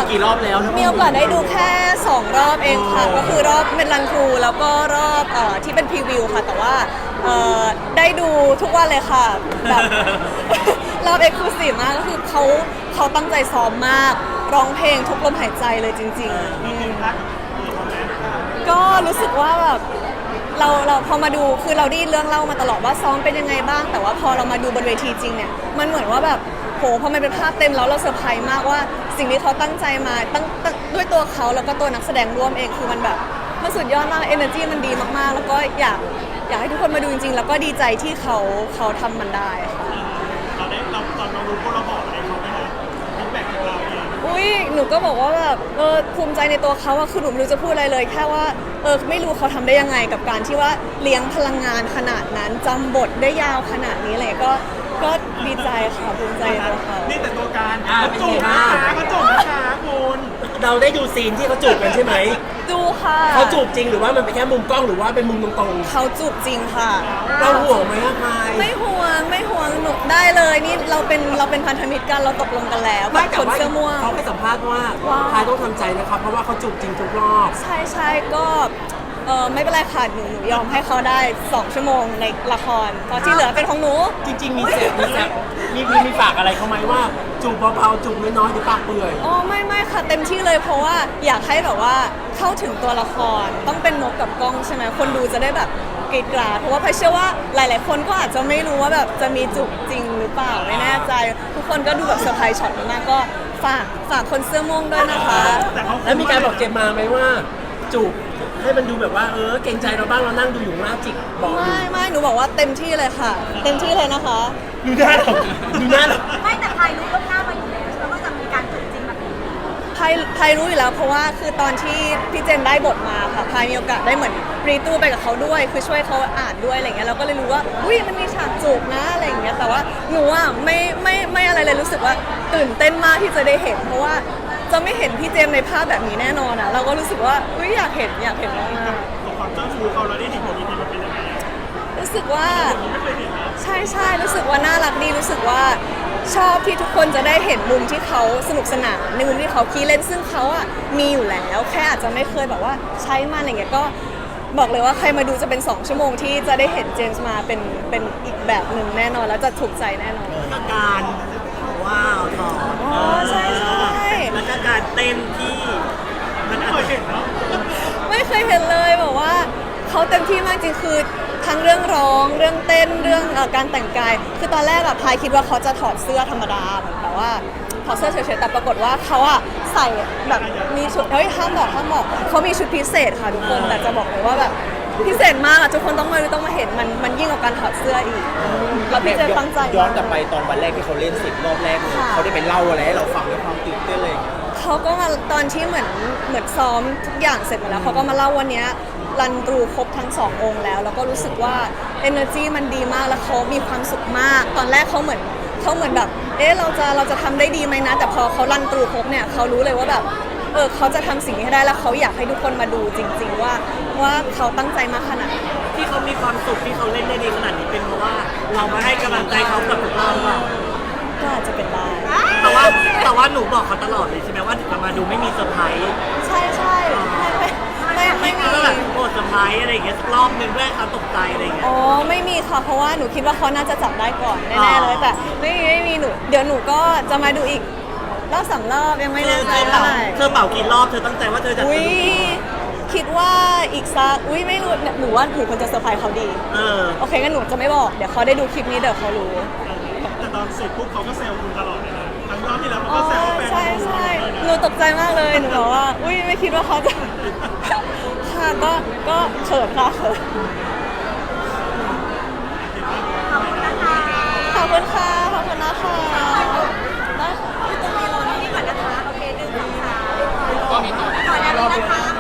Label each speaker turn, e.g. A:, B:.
A: กี่รอบแล้วนะ
B: มีโอกาสได้ดูแค่2รอบเองค่ะก็คือรอบเมนลันครูแล้วก็รอบที่เป็นพรีวิวค่ะแต่ว่าได้ดูทุกวันเลยค่ะแบบ รอบเอ็กซ์คลูซีฟมากก็คือเขาตั้งใจซ้อมมากร้องเพลงทุกลมหายใจเลยจริงๆก็รู้สึกว่าแบบเราพอมาดูคือเราได้เรื่องเล่ามาตลอดว่าซ้อมเป็นยังไงบ้างแต่ว่าพอเรามาดูบนเวทีจริงเนี่ยมันเหมือนว่าแบบโหพอมันเป็นภาพเต็มแล้วเราเซอร์ไพรส์มากว่าสิ่งที่เขาตั้งใจมาตั้งด้วยตัวเขาแล้วก็ตัวนักแสดงร่วมเองคือมันแบบมันสุดยอดมากเอเนอร์จีมันดีมากๆแล้วก็อยากให้ทุกคนมาดูจริงๆแล้วก็ดีใจที่เขาทำมันได้ค่ะ
C: ตอนเรารู้พวกเราบอกอะไรเขาไหมคะฟีดแบ็กของเราเอง
B: อุ้ยหนูก็บอกว่าแบบภูมิใจในตัวเขาอะคือหนูไม่รู้จะพูดอะไรเลยแค่ว่าไม่รู้เขาทำได้ยังไงกับการที่ว่าเลี้ยงพลังงานขนาดนั้นจำบทได้ยาวขนาดนี้อะไรก็ดีใจค่ะภูมิใจในตัวเขา
C: นี่แต่ตัวการ
A: เป็นไงบ้าง
C: เขาจูบนะคะคุณ
A: เราได้ดูซีนที่เขาจูบกันใช่ไหม
B: ดูค่ะ
A: เขาจูบจริงหรือว่ามันเป็นแค่มุมกล้องหรือว่าเป็นมุมตรง
B: เขาจูบจริงค่ะ
A: ๆเราห่วงไหมอะพาย
B: ไม่ห่วงหนูได้เลยนี่เราเป็นพันธมิตรกันเราตกลงกันแล้ว
A: ไม่
B: กับ
A: แต่
B: คน
A: ว่า
B: เสื้อม่วง
A: เขาให้สัมภาษณ์ว่า
B: ว่า
A: พายต้องทำใจนะครับเพราะว่าเขาจูบจริงทุกรอบ
B: ใช่ก็ไม่เป็นไรค่ะหนูยอมให้เขาได้2ชั่วโมงในละครเพราะที่เหลือเป็นของหนู
A: จริงๆมีมีฝากอะไรเขาไหมว่าจูบเบาๆจูบน้อยๆหรือปากเปื่อย
B: อ๋อไม่ค่ะเต็มที่เลยเพราะว่าอยากให้แบบว่าเข้าถึงตัวละครต้องเป็นนกกับกล้องใช่ไหมคนดูจะได้แบบกรีดกราดเพราะว่าพายเชื่อว่าหลายๆคนก็อาจจะไม่รู้ว่าแบบจะมีจุกจริงหรือเปล่าไม่แน่ใจ ทุกคนก็ดูแบบเซอร์ไพรส์ช็อตมากก็ฝากคนเสื้อม่วงด้วยนะคะ
A: แล้วมีการบอกเจมมาไหมว่าจูบให้มันดูแบบว่าเกรงใจเราบ้างเรานั่งดูอยู่หน้าจิกบอกอยู่
B: ไม่หนูบอกว่าเต็มที่เลยค่ะ เต็มที่เลยนะคะ
A: ดูหน้าเราดูหน้าเรา
D: ไม่แต่พายรู้ล่วงหน้ามาอยู่แล้วใช่ไหมว่าจะมีการจูบจริงแบบนี้
B: พายรู้อยู่แล้วเพราะว่าคือตอนที่พี่เจนได้บทมาค่ะพายมีโอกาสได้เหมือนรีตู้ไปกับเขาด้วยคือช่วยเขาอ่านด้วยอะไรเงี้ยเราก็เลยรู้ว่าอุ้ยมันมีฉากจูบนะอะไรอย่างเงี้ยแต่ว่าหนูอ่ะไม่อะไรเลยรู้สึกว่าตื่นเต้นมากที่จะได้เห็น เพราะว่าจะไม่เห็นพี่เจมในภาพแบบนี้แน่นอนอ่ะเราก็รู้สึกว่าอุ้ยอยากเห็นมาก
C: ของความเจ้าชู้เขาเราได้เห็นบนเวทีมันเป็นยังไง
B: ๆรู้สึกว่า
C: ไม่เคยเห็นนะ
B: ใช่รู้สึกว่าน่ารักดีรู้สึกว่าชอบที่ทุกคนจะได้เห็นมุมที่เขาสนุกสนานในมุมที่เขาขี้เล่นซึ่งเขาอ่ะมีอยู่แล้วแค่อาจจะไม่เคยแบบว่าใช้มันอะไรเงี้ยก็บอกเลยว่าใครมาดูจะเป็น2ชั่วโมงที่จะได้เห็นเจมส์มาเป็นอีกแบบหนึ่งแน่นอนแล้วจะถูกใจแน่นอน
A: อาการว้าวถอด
B: อ๋อใช่
A: แล้วก็การเต้นที่มัน
C: ไม่เคยเห็นเนาะ
B: ไม่เคยเห็นเลยบอกว่าเขาเต็มที่มากจริงคือทั้งเรื่องร้องเรื่องเต้นเรื่องการแต่งกายคือตอนแรกอะพายคิดว่าเขาจะถอดเสื้อธรรมดาเหมือนแบบว่าถอดเสื้อเฉยๆแต่ปรากฏว่าเขาอะใส่แบบมีชุดห้ามบอกเขามีชุดพิเศษค่ะทุกคนแต่จะบอกเลยว่าแบบพิเศษมากอะทุกคนต้องมาเห็นมันยิ่งกว่าการถอดเสื้ออีกแล้วพี่เจตั้งใจ
E: ย้อนกลับไปตอนวันแรกที่เขาเล่น10 รอบแรกเลย
B: ค่ะ
E: เขาได้ไปเล่าอะไรให้เราฟังด้วยความตื่นเต้นเลย
B: เขาก็มาตอนที่เหมือนซ้อมทุกอย่างเสร็จหมดแล้วเขาก็มาเล่าวันเนี้ยรันตรูครบทั้ง2 องค์แล้วก็รู้สึกว่า energy มันดีมากแล้วเขามีความสุขมาก ตอนแรกเขาเหมือนแบบเราจะทำได้ดีไหมนะแต่พอเขารันตรูครบเนี่ยเขารู้เลยว่าแบบเขาจะทำสิ่งนี้ให้ได้แล้วเขาอยากให้ทุกคนมาดูจริง ๆ ว่าเขาตั้งใจมากขนาดไหน
A: ที่เขามีความสุขที่เขาเล่นได้ดีขนาดนี้เป็นเพราะว่าเรามาให้กำลังใจเขากับทุกรอบว่า
B: ก็อาจจะเป็นได้
A: แต่ว่าหนูบอกเขาตลอดเลยใช่ไหมว่าถึงจะมาดูไม่มีเซอร์ไพรส์
B: ใช่ไม่มี
A: ก็แบบโกรธเซอร์ไพรส์อะไรอย่างเงี้ยสักรอบหนึ่งเพื่อให้เขาตกใจอะไรอย่างเงี้ย
B: อ๋อไม่มีค่ะเพราะว่าหนูคิดว่าเขาน่าจะจับได้ก่อนแน่ๆเลยแต่ไม่มีหนูเดี๋ยวหนูก็จะมาดูอีกรอบ3 รอบยังไม่แน่ใจเท่าไหร่
A: เธอเป่ากี่รอบเธอตั้งใจว่าเธอจะ
B: อุ้ย
A: ดูกี่
B: คิดว่าอีกสักไม่รู้หนูว่าหนูควรจะเซอร์ไพรส์เขาดี โอเคงั้นหนูจะไม่บอกเดี๋ยวเขาได้ดูคลิปนี้เดี๋ยวเขารู้
C: แต่ตอนเสร็จปุ๊บเขาก็แซวคุณตลอดเลยนะทั้งรอบที่แล้วเขา
B: อ๋อ
C: ก็แซวว่าแฟน
B: ใช่หนูตกใจมากเลยหนูบอกว่าอุ้ยไม่คิดว่าเขาจะ ค่ะก็เขินค่ะเขิน
D: ขอบคุณนะคะ
B: ขอบคุณค่ะขอบคุณนะคะได้ค่ะ
D: ตรงนี้ก่อนนะคะโอเค1 2 3ก่อนแล้วนะคะ